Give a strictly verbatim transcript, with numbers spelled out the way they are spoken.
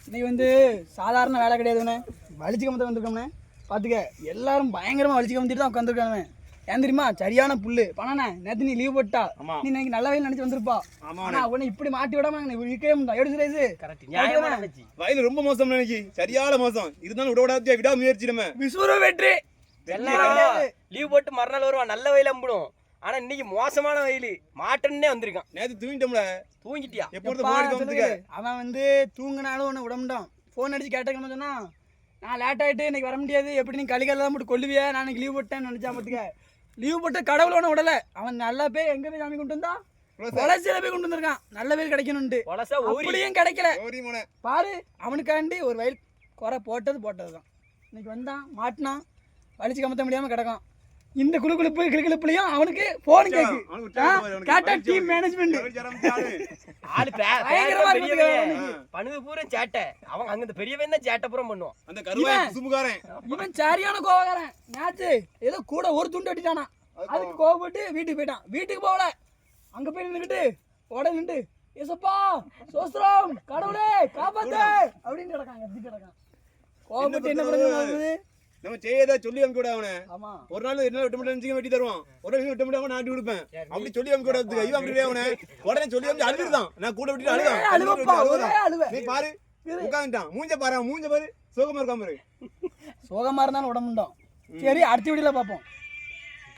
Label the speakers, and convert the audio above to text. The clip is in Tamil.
Speaker 1: இன்னைக்கு வந்து சாதாரண வேலை கிடையாதுண்ணே, வலிச்சு கமத்த வந்திருக்கோம்ண்ணே. பார்த்துக்க, எல்லாரும் பயங்கரமாக வலிச்சு கமத்திட்டு தான் உட்காந்துருக்காங்க. ஏன் தெரியுமா? சரியான புல்லு பணாண்ணே. நேற்று நீ லீவ் போட்டா, நீ இன்னைக்கு நல்ல வயல் நினைச்சு வந்திருப்பா. ஆனா உடனே இப்படி மாட்டி விடாம இருக்கவே முடியும். எடுத்து ரைஸ்
Speaker 2: வயல் ரொம்ப மோசம் நினைக்கி, சரியான மோசம். இருந்தாலும் விட விடாத விடா முயற்சி நம்ம
Speaker 1: விசுவர வெற்றி.
Speaker 3: லீவ் போட்டு மறுநாள் வருவான், நல்ல வயல் அம்பிடும். ஆனா இன்னைக்கு மோசமான வயல், மாட்டன்னே வந்திருக்கான்.
Speaker 2: நேற்று தூங்கிட்டோம்ல.
Speaker 3: தூங்கிட்டியா?
Speaker 1: அவன் வந்து தூங்கினாலும் ஒன்று விடமுட்டான். ஃபோன் அடிச்சு கேட்டேன்னு சொன்னா, நான் லேட் ஆகிட்டு இன்னைக்கு வர முடியாது, எப்படி நீ கலிகால போட்டு கொல்லுவியா, நான் இன்னைக்கு லீவ் போட்டேன்னு நினைச்சா. பார்த்துக்க, லீவ் போட்டு கடவுள் ஒன்று விடலை. அவன் நல்லா போய் எங்கே போய் சாமி கொண்டு வந்தா, வளர்ச்சியில போய் கொண்டு வந்திருக்கான். நல்ல வயல் கிடைக்கணும்ட்டு. அப்படியும் கிடைக்கல பாரு. அவனுக்காண்டி ஒரு வயல் குறை போட்டது போட்டது தான். இன்னைக்கு வந்தான், மாட்டினான், வலிச்சு கமத்த முடியாமல் கிடக்கும். இந்த குழு குழுப்பு கிளுக்கிழப்புலையும் அவனுக்கு போன் கேக்கு கேட்டா டீம் மேனேஜ்மெண்ட்
Speaker 3: பண்ணுது பூரா சேட்டை. அவன் அங்க இந்த பெரியவன் தான் சேட்டை பூரா பண்ணுவான்.
Speaker 2: அந்த கருவாய் சுமுகாரன்
Speaker 1: இவன் சரியான கோவக்காரன். நேத்து ஏதோ கூட ஒரு துண்டு வெட்டிட்டானா, அதுக்கு கோவப்பட்டு வீட்டுக்கு போயிட்டான். வீட்டுக்கு போகல, அங்க போய் நின்றுக்கிட்டு உட நின்று ஏசப்பா சோஸ்திரம் கடவுளே காப்பாத்து அப்படின்னு கிடக்காங்க. எப்படி கிடக்கான் கோவப்பட்டு என்ன பண்ணுறது?
Speaker 2: நம்ம செய்யதா சொல்லி அனுப்பி விட அவனை. ஒரு நாள் என்ன விட்டு மட்டும் வெட்டி தருவான், ஒரு நாள் விட்டு மட்டும் நாட்டி கொடுப்பேன். அப்படி சொல்லி அனுப்பி விட ஐயோ அப்படி அவனை உடனே சொல்லி அனுப்பி அழுதுதான். நான் கூட விட்டு அழுதான். நீ பாரு உட்காந்துட்டான். மூஞ்ச பாரு, மூஞ்ச பாரு, சோகமா இருக்காம இருக்கு.
Speaker 1: சோகமா இருந்தாலும் உடம்புண்டோம். சரி, அடுத்த வீடியோல பார்ப்போம்.